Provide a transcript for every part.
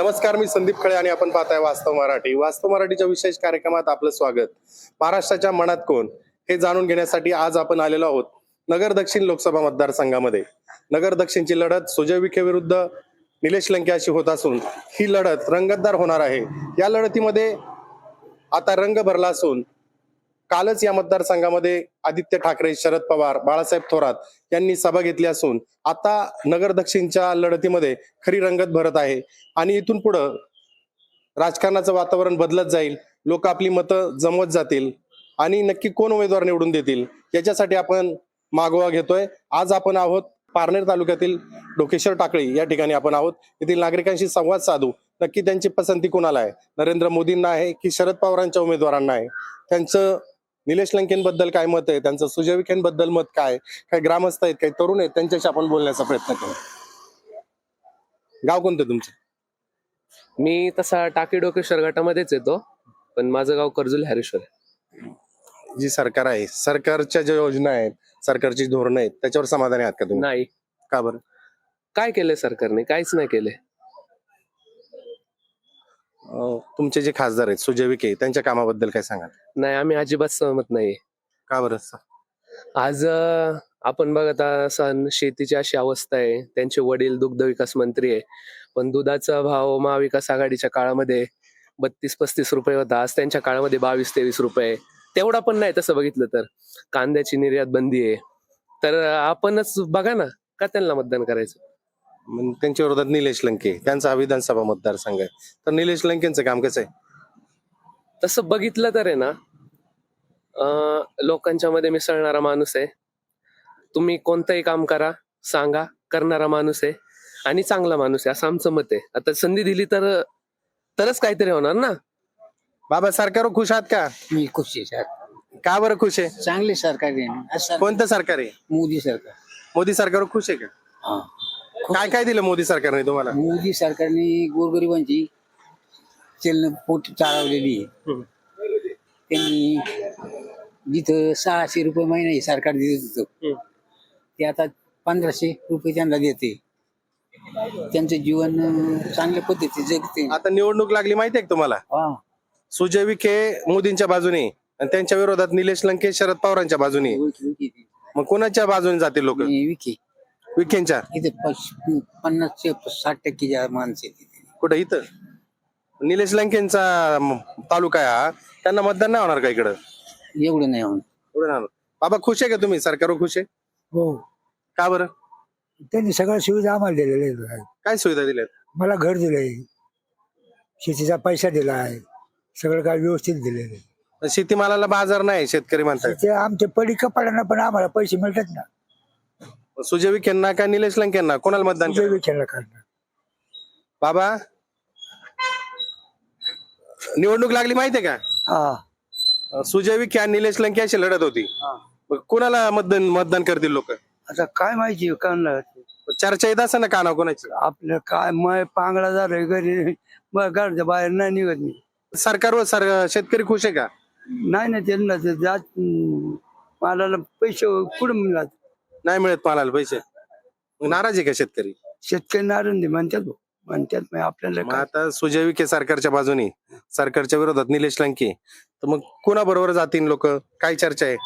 नमस्कार, मी संदीप खळे आणि आपण पाहताय वास्तव मराठी. वास्तव मराठीच्या विशेष कार्यक्रमात आपलं स्वागत. महाराष्ट्राच्या मनात कोण हे जाणून घेण्यासाठी आज आपण आलेलो आहोत नगर दक्षिण लोकसभा मतदारसंघामध्ये. नगर दक्षिणची लढत सुजय विखे विरुद्ध निलेश लंके अशी होत असून ही लढत रंगतदार होणार आहे. या लढतीमध्ये आता रंग भरला असून कालच या मतदारसंघामध्ये आदित्य ठाकरे, शरद पवार, बाळासाहेब थोरात यांनी सभा घेतली असून आता नगर दक्षिणच्या लढतीमध्ये खरी रंगत भरत आहे आणि इथून पुढं राजकारणाचं वातावरण बदलत जाईल. लोक आपली मतं जमवत जातील आणि नक्की कोण उमेदवार निवडून देतील याच्यासाठी आपण मागोवा घेतोय. आज आपण आहोत पारनेर तालुक्यातील ढोकेश्वर टाकळी या ठिकाणी आपण आहोत. येथील नागरिकांशी संवाद साधू. नक्की त्यांची पसंती कोणाला आहे, नरेंद्र मोदींना आहे की शरद पवारांच्या उमेदवारांना आहे, त्यांचं निलेश लंकेंबद्दल काय मत आहे, त्यांचं सुजय विखेंबद्दल मत काय, काही ग्रामस्थ आहेत, काही तरुण आहेत, त्यांच्याशी आपण बोलण्याचा प्रयत्न करू. गाव कोणतं तुमचं? मी तसा टाकी डोकेश्वर गटामध्येच येतो, पण माझं गाव कर्जुल हॅरेश्वर आहे. जी सरकार आहे, सरकारच्या ज्या योजना आहेत, सरकारची धोरणं आहेत, त्याच्यावर समाधानी आहात का तुम्ही? नाही. का बरं? काय केलंय सरकारने? काहीच नाही केले. तुमचे जे खासदार आहेत सुजय विखे, त्यांच्या कामाबद्दल काय सांगाल? नाही, आम्ही अजिबात सहमत नाही. का बरं? आज आपण बघत असाल शेतीची अशी अवस्था आहे. त्यांचे वडील दुग्ध विकास मंत्री आहे, पण दुधाचा भाव महाविकास आघाडीच्या काळामध्ये 32-35 रुपये होता. आज त्यांच्या काळामध्ये 22-23 रुपये. तेवढा पण नाही तसं बघितलं तर. कांद्याची निर्यात बंदी आहे. तर आपणच बघा ना, का त्यांना मतदान करायचं? मग त्यांच्या विरोधात निलेश लंके, त्यांचा हा विधानसभा मतदारसंघ आहे, तर निलेश लंकेंचं काम कसं आहे? तसं बघितलं तर आहे ना, लोकांच्या मध्ये मिसळणारा माणूस आहे. तुम्ही कोणतंही काम करा, सांगा, करणारा माणूस आहे आणि चांगला माणूस आहे, असं आमचं मत आहे. आता संधी दिली तरच काहीतरी होणार ना. बाबा, सरकारवर खुश आहात का? मी खुश आहे सर. का बरं खुश आहे? चांगले सरकार आहे ना. असं कोणतं सरकार आहे? मोदी सरकार. मोदी सरकारवर खुश आहे का? हा. काय काय दिलं मोदी सरकारने तुम्हाला? मोदी सरकारने गोरगरिबांची चलन पोट चालवलेली आहे. त्यांनी जिथं 600 रुपये महिना हे सरकार देत होतं, ते आता 1500 रुपये त्यांना देते. त्यांचं जीवन चांगल्या पद्धतीने जगते. आता निवडणूक लागली माहिती आहे का तुम्हाला? हा. सुजय विखे मोदींच्या बाजूने आणि त्यांच्या विरोधात निलेश लंके शरद पवारांच्या बाजूने. मग कोणाच्या बाजूने जातील लोक? विखे विखेंच्या. इथे 50 ते 60% माणसं आहेत तिथे. कुठं? इथं निलेश लंकेंचा तालुका आहे हा, त्यांना मतदान नाही होणार का इकडं? एवढं नाही होणार. एवढं नाही होणार. बाबा, खुश आहे का तुम्ही? सरकारवर खुश आहे? हो, का बरं? त्यांनी सगळ्या सुविधा आम्हाला दिलेल्या आहेत. काय सुविधा दिल्यात? मला घर दिलंय, शेतीचा पैसा दिला आहे, सगळं काय व्यवस्थित दिलेलं आहे. शेतीमालाला बाजार नाही शेतकरी म्हणतात. ते आमच्या पडी कपाड्यांना पण आम्हाला पैसे मिळतात ना. सुजय विखेंना का निलेश लंकेंना? कोणाला मतदान सुजय करायचं? विखेला करणार. बाबा, निवडणूक लागली माहितीये का? हा. सुजय विखे आणि निलेश लंके अशी लढत होती. मग कोणाला मतदान करतील लोक? आता काय माहिती करणार चर्चा येत असं ना काना कोणाची? आपलं काय मग पांगळा झालंय घरी, मग घरच्या बाहेर नाही निघत मी. सरकारवर शेतकरी खुश आहे का? नाही ना, त्यांना ते जात मालाला पैसे कुठं मिळतात? नाही मिळत मालाला पैसे. मग नाराज आहे का शेतकरी? शेतकरी नाराज म्हणतात मग आपल्याला मग काय. आता सुजय विखे सरकारच्या बाजूने, सरकारच्या विरोधात निलेश लंके, तर मग कोणाबरोबर जातील लोक? काय चर्चा आहे?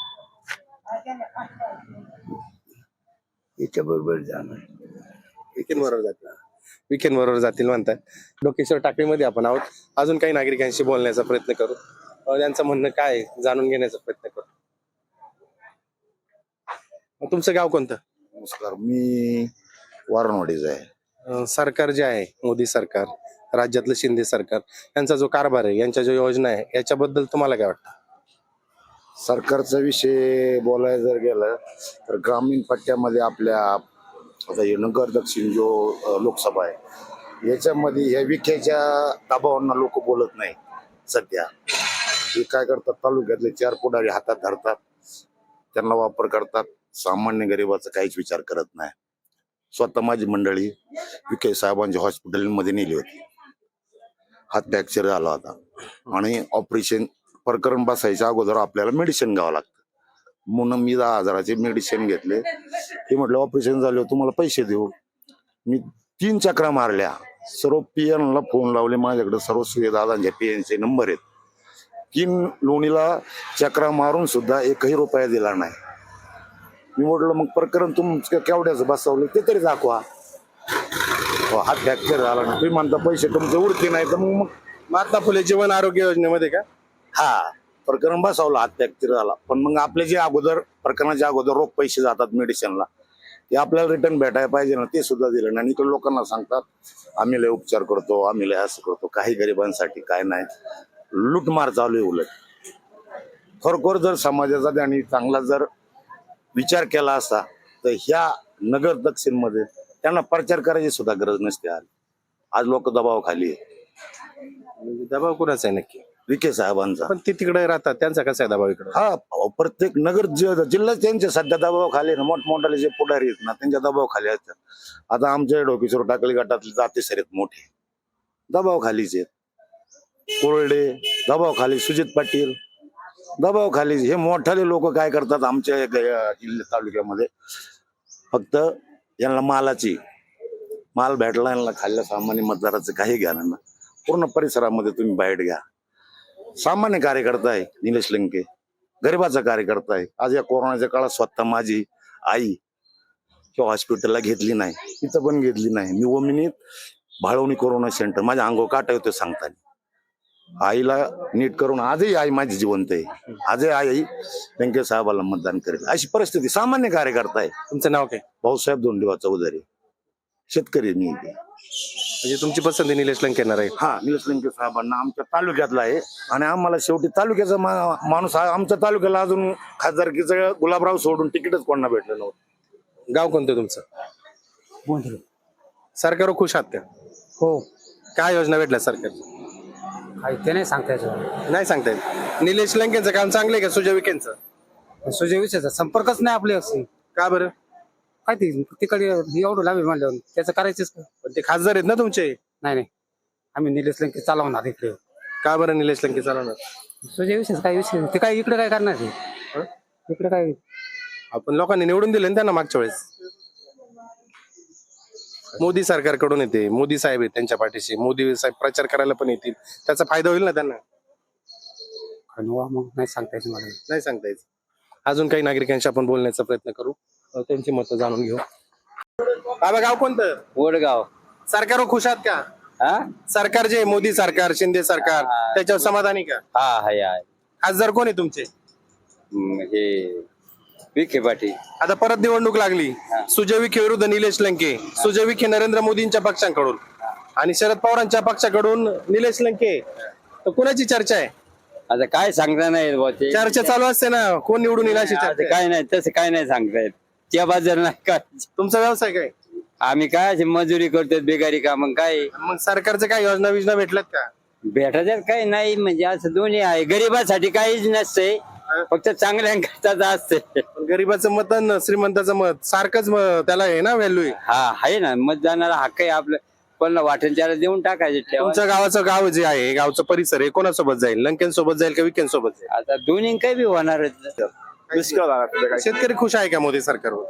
याच्या बरोबर जाणार. विखेंबरोबर जातील. विखेंबरोबर जातील म्हणतात. डोकेश्वर टाकळीमध्ये आपण आहोत. अजून काही नागरिकांशी बोलण्याचा प्रयत्न करू, त्यांचं म्हणणं काय आहे जाणून घेण्याचा प्रयत्न करू. तुमचं गाव कोणतं? नमस्कार, मी वारणवाडीचा आहे. सरकार जे आहे मोदी सरकार, राज्यातलं शिंदे सरकार, यांचा जो कारभार आहे, यांच्या ज्या योजना आहे, याच्याबद्दल तुम्हाला काय वाटतं? सरकारचा विषय बोलायला जर गेलं तर ग्रामीण पट्ट्यामध्ये आपल्या आता हे नगर दक्षिण जो लोकसभा आहे, याच्यामध्ये ह्या विखेच्या दबावांना लोक बोलत नाही. सध्या हे काय करतात, तालुक्यातले 4 पुढारी हातात धरतात, त्यांना वापर करतात. सामान्य गरिबाचा काहीच विचार करत नाही. स्वतः माझी मंडळी विखे साहेबांच्या हॉस्पिटलमध्ये नेली होती. हात फ्रॅक्चर झाला होता आणि ऑपरेशन प्रकरण बसायच्या अगोदर आपल्याला मेडिसिन घ्यावं लागतं. म्हणून मी 10,000चे मेडिसिन घेतले. ते म्हटलं ऑपरेशन झाल्यावर तुम्हाला पैसे देऊ. मी 3 चक्रा मारल्या सर्व PN ला फोन लावले, माझ्याकडे सर्व दादांच्या PN चे नंबर आहेत. 3 लोणीला चक्रा मारून सुद्धा 1ही रुपया दिला नाही. मी म्हटलं मग प्रकरण तुमचं केवढ्याचं बसवलं ते तरी दाखवा. हात फ्रॅक्चर झाला ना, तुम्ही म्हणता पैसे तुमचे उरते नाही तर मग महात्मा फुले जीवन आरोग्य योजनेमध्ये का? हा प्रकरण बसवलं, हात फ्रॅक्चर झाला. पण मग आपले जे अगोदर प्रकरणाच्या अगोदर रोख पैसे जातात मेडिसिनला, ते आपल्याला रिटर्न भेटायला पाहिजे ना, ते सुद्धा दिलं नाही. इकडे लोकांना सांगतात आम्ही लय उपचार करतो, आम्ही लय असं करतो. काही गरिबांसाठी काय नाही, लूटमार चालू आहे. उलट खरोखर जर समाजाचा त्यांनी चांगला जर विचार केला असता तर ह्या नगर दक्षिण मध्ये त्यांना प्रचार करायची सुद्धा गरज नसते. आज लोक दबाव खाली आहे. म्हणजे दबाव कुणाचा आहे नक्की? विखे साहेबांचा. पण ते तिकडे राहतात, त्यांचा कसा आहे दबाव इकडे? हा प्रत्येक नगर जिल्ह्यात त्यांचे सध्या दबाव खाली ना, मोठमोठाले जे पुढारी आहेत ना त्यांच्या दबाव खाली असतात. आता आमच्या डोकेश्वर टाकली गटातले जाते सरेत मोठे दबाव खालीच आहेत. कोरडे दबाव खाली, सुजित पाटील दबाव खाली. हे मोठाले लोक काय करतात आमच्या जिल्ह्यात तालुक्यामध्ये, फक्त यांना माल भेटला, यांना खाल्ल्या सामान्य मतदाराचं काही घ्या ना. पूर्ण परिसरामध्ये तुम्ही बाहेर घ्या, सामान्य कार्यकर्ता आहे निलेश लंके, गरिबाचा कार्यकर्ता आहे. आज या कोरोनाच्या काळात स्वतः माझी आई किंवा हॉस्पिटलला घेतली नाही, इथं पण घेतली नाही. मी ओमिनीत भाळवणी कोरोना सेंटर, माझ्या अंगावर काटा होते सांगताना. आईला नीट करून आजही आई माझी जिवंत आहे. आजही आई लंके साहेबाला मतदान करेल अशी परिस्थिती. सामान्य कार्यकर्ता आहे. तुमचं नाव काय? भाऊसाहेब धोंडीबा चौधरी, शेतकरी मी इथे. म्हणजे तुमची पसंती निलेश लंकेंना राहील? हा, निलेश लंके साहेबांना आमच्या तालुक्यातला आहे. आणि आम्हाला शेवटी तालुक्याचा माणूस आमच्या तालुक्याला अजून खासदारकीचं गुलाबराव सोडून तिकीटच कोणाला भेटलं नव्हतं. गाव कोणतं तुमचं? बोंधळे. सरकारवर खुश आहात का? हो. काय योजना भेटल्या सरकार? काही ते नाही सांगता यायचं. नाही सांगता येत. निलेश लंकेंचं काम चांगलं आहे का सुजय विखेंचं? सुजय विषयाचा संपर्कच नाही आपले असे. का बरं? काय ते तिकडे एवढं लाभ म्हणल्यावर त्याचं करायचंच का? पण ते खासदार आहेत ना तुमचे. नाही, आम्ही निलेश लंके चालवणार इकडे. का बरं निलेश लंके चालवणार? सुजय विषयाचा काय विषय, ते काय इकडे काय करणार आहे? इकडे काय आपण लोकांनी निवडून दिले ना त्यांना मागच्या वेळेस. मोदी सरकारकडून येते, मोदी साहेब आहेत त्यांच्या पाठीशी, मोदी साहेब प्रचार करायला पण येतील, त्याचा फायदा होईल ना त्यांना? मग नाही सांगता यायचं मला. नाही सांगता येत. अजून काही नागरिकांशी आपण बोलण्याचा प्रयत्न करू, त्यांची मतं जाणून घेऊ. बाबा गाव कोणतं? वडगाव. सरकारवर खुश आहात का? हा सरकार जे मोदी सरकार, शिंदे सरकार, त्याच्यावर समाधानी का? हा हाय खासदार कोण आहे तुमचे? हे विखे पाटील. आता परत निवडणूक लागली, सुजय विखे विरुद्ध निलेश लंके. सुजय विखे नरेंद्र मोदींच्या पक्षांकडून आणि शरद पवारांच्या पक्षाकडून निलेश लंके. तर कुणाची चर्चा आहे? आता काय सांगता नाही बुवा ते. चर्चा चालू असते ना, कोण निवडून येईल अशी आता चर्चा. काय नाही, तसं काय नाही सांगता येत. त्या बाजार नाही काय. तुमचा व्यवसाय काय? आम्ही काय अशी मजुरी करतो, बेकारी का. मग काय मग सरकारचं काय योजना भेटल्यात का? भेटायच्यात काही नाही, म्हणजे असं दोन्ही आहे. गरिबासाठी काहीच नसतंय, फक्त चांगल्या असते. पण गरीबाचं मत आणि श्रीमंताचं मत सारखंच त्याला आहे ना व्हॅल्यू आहे. हा आहे ना, मतदानाला हक्क आहे आपलं. पण वाटेल त्याला देऊन टाकायचं. तुमच्या गावाचं गाव जे आहे, गावचं परिसर आहे, कोणासोबत जाईल? लंकेंसोबत जाईल का विखेंसोबत जाईल? आता दोन्ही काही बी होणार. शेतकरी खुश आहे का मोदी सरकारवर?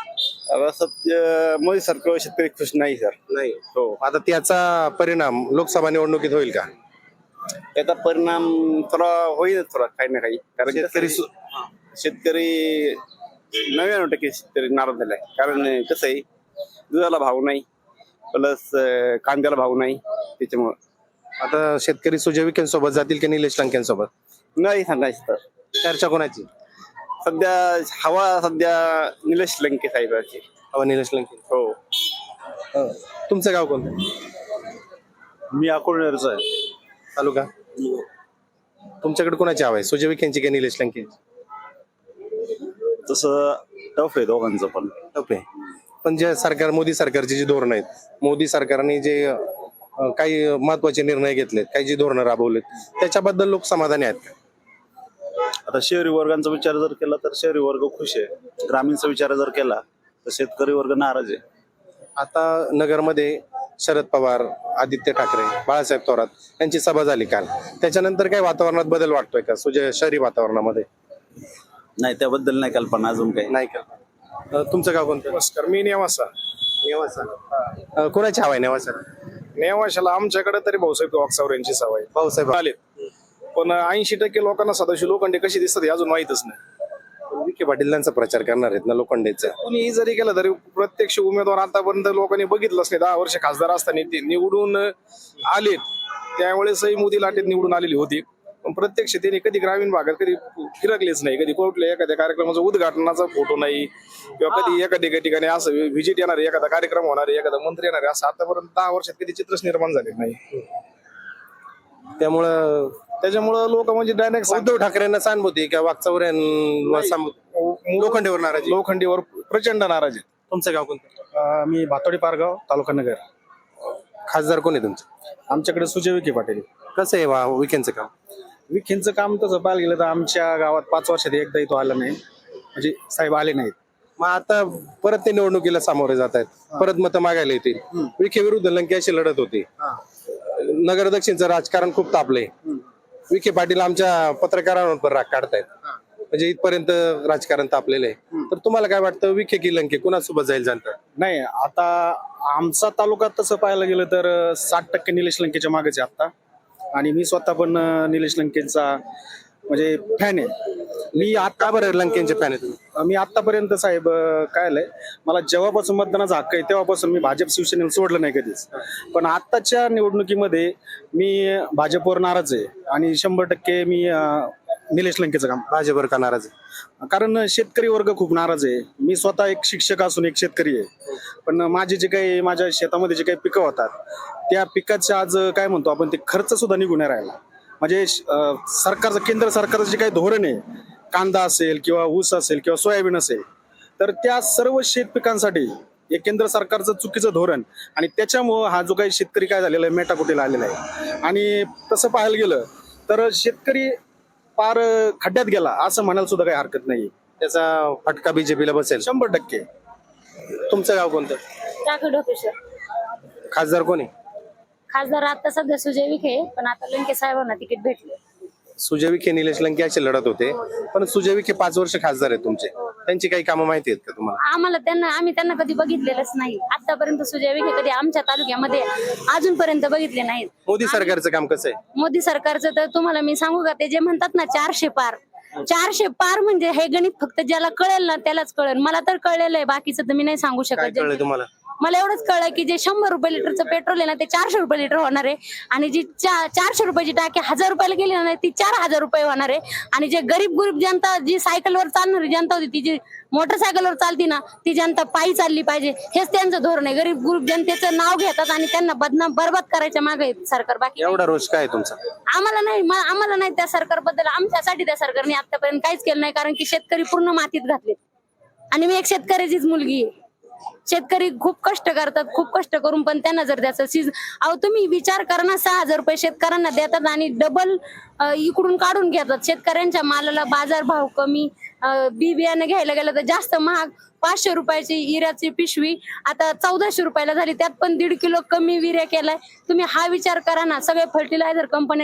मोदी सरकार शेतकरी खुश नाही सर. नाही. हो. आता त्याचा परिणाम लोकसभा निवडणुकीत होईल का? त्याचा परिणाम थोडा होईल, थोडा काही ना काही. कारण शेतकरी 99% शेतकरी नाराज झालाय. कारण कसं आहे, दुधाला भाव नाही, प्लस कांद्याला भाव नाही. त्याच्यामुळं आता शेतकरी सुजय विखेंसोबत जातील की निलेश लंकेंसोबत? नाही सांगायचं. चर्चा कोणाची सध्या हवा निलेश लंके साहेबांची. हवा निलेश लंके. हो. तुमचं गाव कोणतं? मी अकोलनेरचा आहे. तालुका? तुमच्याकडे कोणाची हवा आहे, सुजय विखेंची की निलेश लंकेंची? तसं टफ आहे दोघांचं पण. टफ आहे. पण जे सरकार, मोदी सरकारची जी धोरणं आहेत, मोदी सरकारने जे काही महत्वाचे निर्णय घेतलेत, काही जी धोरणं राबवलेत, त्याच्याबद्दल लोक समाधानी आहेत का? आता शहरी वर्गांचा विचार जर केला तर शहरी वर्ग खुश आहे. ग्रामीणचा विचार जर केला तर शेतकरी वर्ग नाराज आहे. आता नगरमध्ये शरद पवार, आदित्य ठाकरे, बाळासाहेब थोरात यांची सभा झाली काल. त्याच्यानंतर काही वातावरणात बदल वाटतोय का शहरी वातावरणामध्ये? नाही, त्याबद्दल नाही कल्पना अजून काही. नाही का? तुमचं गाव कोणतं? नमस्कार, मी नेवासा. नेवासा. कोणाची हवा आहे नेवासा? नेवाशाला आमच्याकडे तरी भाऊसाहेब वागसावर यांची सवय भाऊसाहेब आले, पण 80% लोकांना सदाशिव लोखंडे कशी दिसतात हे अजून माहितच नाही. विखे पाटीलांचा प्रचार करणार आहेत ना लोखंडेचा. कुणीही जरी केलं तरी प्रत्यक्ष उमेदवार आतापर्यंत लोकांनी बघितलंच नाही. 10 वर्ष खासदार असताना ते निवडून आलेत, त्यावेळेसही मोदी लाटेत निवडून आलेली होती, पण प्रत्यक्ष त्यांनी कधी ग्रामीण भागात कधी फिरकलेच नाही. कधी कुठल्या एखाद्या कार्यक्रमाचा उद्घाटनाचा फोटो नाही, किंवा कधी एखाद्या ठिकाणी असं व्हिजिट येणार, एखादा कार्यक्रम होणार, एखादा मंत्री येणार, असं आतापर्यंत 10 वर्षात कधी चित्रच निर्माण झाले नाही. त्याच्यामुळं लोक म्हणजे डायरेक्ट उद्धव ठाकरेंना सहानुभूती का वागचावर लोखंडेवर नाराज आहे? लोखंडीवर प्रचंड नाराज आहे. तुमचं गाव कोणतं? मी भातोडी पारगाव, तालुका नगर. खासदार कोण आहे तुमचं? आमच्याकडे सुजय विखे पाटील. कसं आहे विखेंचं काम? विखेंचं काम तसं पाहायला गेलं तर आमच्या गावात 5 वर्षात एकदाही तो आला नाही, म्हणजे साहेब आले नाहीत. मग आता परत ते निवडणुकीला सामोरे जात आहेत, परत मतं मागायला येतील. विखे विरुद्ध लंके अशी लढत होती. नगर दक्षिणचं राजकारण खूप तापलंय. विखे पाटील आमच्या पत्रकारांवर पण राग काढतायत, म्हणजे इथपर्यंत राजकारण तापलेलं आहे. तर तुम्हाला काय वाटतं, विखे की लंके कुणासोबत जाईल जनता? नाही, आता आमचा तालुका तसं पाहायला गेलं तर 60% निलेश लंकेच्या मागेच आहे आता. आणि मी स्वतः पण निलेश लंकेचा म्हणजे फॅन आहे. मी का बरं लंकेंचे फॅन आहे तुम्ही? मी आतापर्यंत साहेब काय आलंय, मला जेव्हापासून मतदानाचा हक्क आहे तेव्हापासून मी भाजप शिवसेनेला सोडलं नाही कधीच. पण आताच्या निवडणुकीमध्ये मी भाजपवर नाराज आहे आणि 100% मी निलेश लंकेचं काम. भाजपवर का नाराज आहे? कारण शेतकरी वर्ग खूप नाराज आहे. मी स्वतः एक शिक्षक असून एक शेतकरी आहे, पण माझे जे काही माझ्या शेतामध्ये जे काही पिकं होतात त्या पिकाचे आज काय म्हणतो आपण, ते खर्च सुद्धा निघून नाही राहिला. म्हणजे सरकारचं, केंद्र सरकारचं जे काही धोरण आहे, कांदा असेल किंवा ऊस असेल किंवा सोयाबीन असेल, तर त्या सर्व शेत पिकांसाठी हे केंद्र सरकारचं चुकीचं धोरण, आणि त्याच्यामुळं हा जो काही शेतकरी काय झालेला आहे मेटाकुटीला आलेला आहे. आणि तसं पाहायला गेलं तर शेतकरी पार खड्ड्यात गेला असं म्हणायला सुद्धा काही हरकत नाही. त्याचा फटका बीजेपीला बसेल 100%. तुमचं गाव कोणतं? टाकडोकेश्वर. खासदार कोण आहे? खासदार आता सध्या सुजय विखे, पण आता लंके साहेबांना तिकीट भेटले. सुजय विखे निलेश लंके असे लढत होते, पण सुजय विखे 5 वर्ष खासदार आहेत तुमचे. त्यांची काही कामं माहिती आहेत का तुम्हाला? आम्ही त्यांना कधी बघितलेलंच नाही. आतापर्यंत सुजय विखे कधी आमच्या तालुक्यामध्ये अजूनपर्यंत बघितले नाहीत. मोदी सरकारचं काम कसं आहे? मोदी सरकारचं तर तुम्हाला मी सांगू का, ते जे म्हणतात ना 400 पार, 400 पार म्हणजे हे गणित फक्त ज्याला कळेल ना त्यालाच कळेल. मला तर कळलेलं आहे, बाकीचं तर मी नाही सांगू काय शकत. कळलं तुम्हाला? मला एवढंच कळलं की जे 100 रुपये लिटरचं पेट्रोल आहे ना ते 400 रुपये लिटर होणार आहे, आणि जी 400 रुपयाची टाकी 1000 रुपयाला गेली ना ती 4000 रुपये होणार आहे. आणि जे गरीब जनता, जी सायकलवर चालणारी जनता होती, ती जी मोटरसायकलवर चालती ना ती जनता पायी चालली पाहिजे, हेच त्यांचं धोरण आहे. गरीब जनतेचं नाव घेतात आणि त्यांना बरबाद करायच्या मागे सरकार. बाकी एवढा रोष काय आहे तुमचा? आम्हाला नाही त्या सरकारबद्दल, आमच्यासाठी त्या सरकारने आतापर्यंत काहीच केलं नाही, कारण की शेतकरी पूर्ण मातीत घातले. आणि मी एक शेतकऱ्याचीच मुलगी आहे. शेतकरी खूप कष्ट करतात, खूप कष्ट करून पण त्यांना जर द्यायचं तुम्ही विचार करा ना, 6000 रुपये शेतकऱ्यांना देतात आणि डबल इकडून काढून घेतात. शेतकऱ्यांच्या मालाला बाजारभाव कमी, बी बियाणं घ्यायला गेलं तर जास्त महाग. 500 रुपयाची इऱ्याची पिशवी आता 1400 रुपयाला झाली, त्यात पण 1.5 किलो कमी विर्या केलाय. तुम्ही हा विचार करा ना. सगळे फर्टिलायझर कंपनी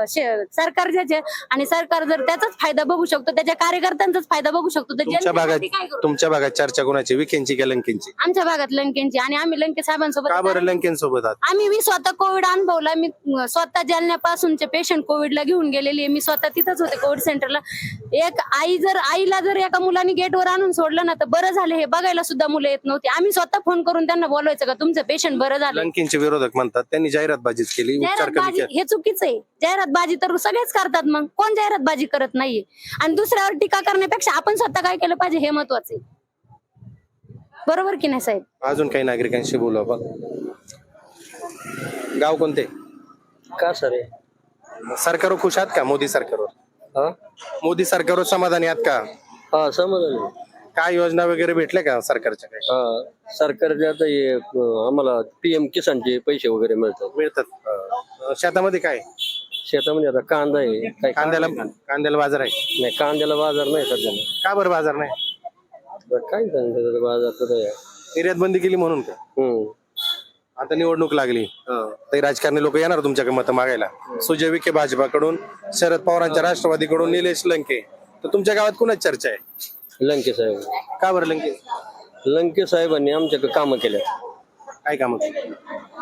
सरकार ज्याचे, आणि सरकार जर त्याचाच फायदा बघू शकतो, त्याच्या कार्यकर्त्यांचाच फायदा बघू शकतो, तर जनतेसाठी काय करू? तुमच्या भागात चर्चा कोणाची, विखेंची का लंकेंची? आमच्या भागात लंकेंची, आणि आम्ही लंके साहेबांसोबत. का बरं लंकेंसोबत आहात? मी स्वतः कोविड अनुभवला. मी स्वतः जालन्यापासूनचे पेशंट कोविडला घेऊन गेलेली आहे. मी स्वतः तिथंच होते कोविड सेंटरला. एक आईला जर एका मुलांनी गेटवर आणून सोडलं ना तर बरं झालं हे बघायला सुद्धा मुलं येत नव्हती. आम्ही स्वतः फोन करून त्यांना बोलवायचं का तुमचं पेशंट बरं झालं. लंकेंचे विरोधक म्हणतात त्यांनी जाहिरातबाजीच केली, उपचार कमी केले. हे चुकीचं आहे. जाहिरातबाजी तर सगळेच करतात, मग कोण जाहिरातबाजी करत नाहीये. आणि दुसऱ्यावर टीका करण्यापेक्षा आपण स्वतः काय केलं पाहिजे हे महत्वाचं आहे. बरोबर की नाही साहेब? अजून काही नागरिकांशी बोलू आपण. गाव कोणते? का सर सरकारवर खुश आहात का? मोदी सरकारवर? मोदी सरकारवर समाधानी आहात का? हा समाधान. काय योजना वगैरे भेटल्या का सरकारच्या? काय सरकारचे आता हे आम्हाला PM किसानचे पैसे वगैरे मिळतात? शेतामध्ये काय? शेतामध्ये आता कांदा आहे. काय कांद्याला बाजार आहे? नाही, कांद्याला बाजार नाही सध्या. का बरं बाजार नाही? काय सांगतात बाजार तर निर्यात बंदी केली म्हणून का? आता निवडणूक लागली तर राजकारणी लोक येणार तुमच्याकडे मतं मागायला. सुजय विखे भाजपाकडून, शरद पवारांच्या राष्ट्रवादीकडून, निलेश लंके. तर तुमच्या गावात कुणाच चर्चा आहे? लंके साहेब. का बरं लंके? लंके साहेबांनी आमच्याकडे कामं केल्या. काय कामं केली?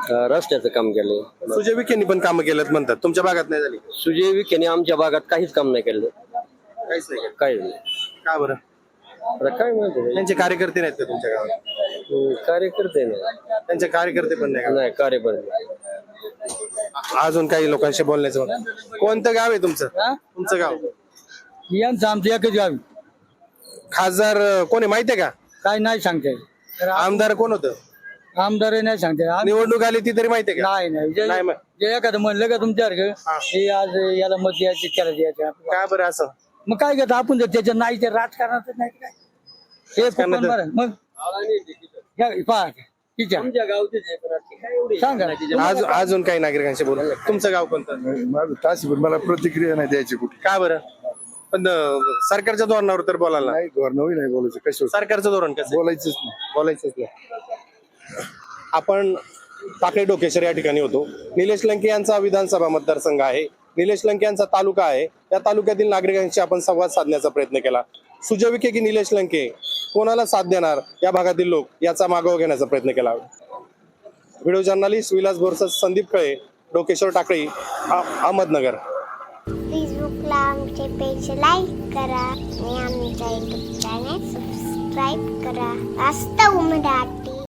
रस्त्याचं काम केलं. सुजय विखेंनी पण कामं केलेत म्हणतात, तुमच्या भागात नाही झाली? सुजय विखेने आमच्या भागात काहीच काम नाही केलं. काहीच नाही केलं. काही नाही. का बरं? आता काय माहिती त्यांचे कार्यकर्ते नाहीत का तुमच्या गावात? कार्यकर्ते नाही. त्यांचे कार्यकर्ते पण नाही का? नाही कार्यकर्ते. अजून काही लोकांशी बोलण्याचं कोणतं गाव आहे तुमचं? तुमचं गाव? यांचं आमचं एकच गाव खासदार कोण आहे माहितीये का? काय नाही सांगते आमदार कोण होतं? आमदार नाही सांगते निवडणूक आली ती तरी माहितीये का? नाही नाही नाही मग जे एखादं म्हणलं का तुमच्यासारखं हे आज याला मत द्यायचे त्याला द्यायचं का बरं असं? मग काय करतो आपण जर त्याच्या नाही ते राजकारणात नाही काय हे राजकारणात- कुपन बरं. मग पहा तिच्या आमच्या गावचे सांगा अजून काही नागरिकांशी बोलू. तुमचं गाव कोणतं? माझं तास पण मला प्रतिक्रिया नाही द्यायची कुठे. का बरं? पण सरकारच्या धोरणावर तर बोलायला नाही धोरण नाही बोलायचं कशावर सरकारचं धोरण कसं? बोलायचंच नाही. बोलायचंच नाही. आपण टाकळी डोकेश्वर या ठिकाणी होतो. निलेश लंके यांचा विधानसभा मतदारसंघ आहे. निलेश लंके यांचा तालुका आहे. त्या तालुक्यातील नागरिकांशी आपण संवाद साधण्याचा प्रयत्न केला. सुजय विखे की निलेश लंके कोणाला साथ देणार या भागातील लोक याचा मागोवा घेण्याचा प्रयत्न केला. Video journalist Vilas Borsad, Sandeep Kale, Dokeshwar Takli, Ahmednagar. फेसबुकला आमचे पेज लाईक करा आणि आमच्या युट्यूब चॅनेल सबस्क्राईब करा. वास्तव मराठी.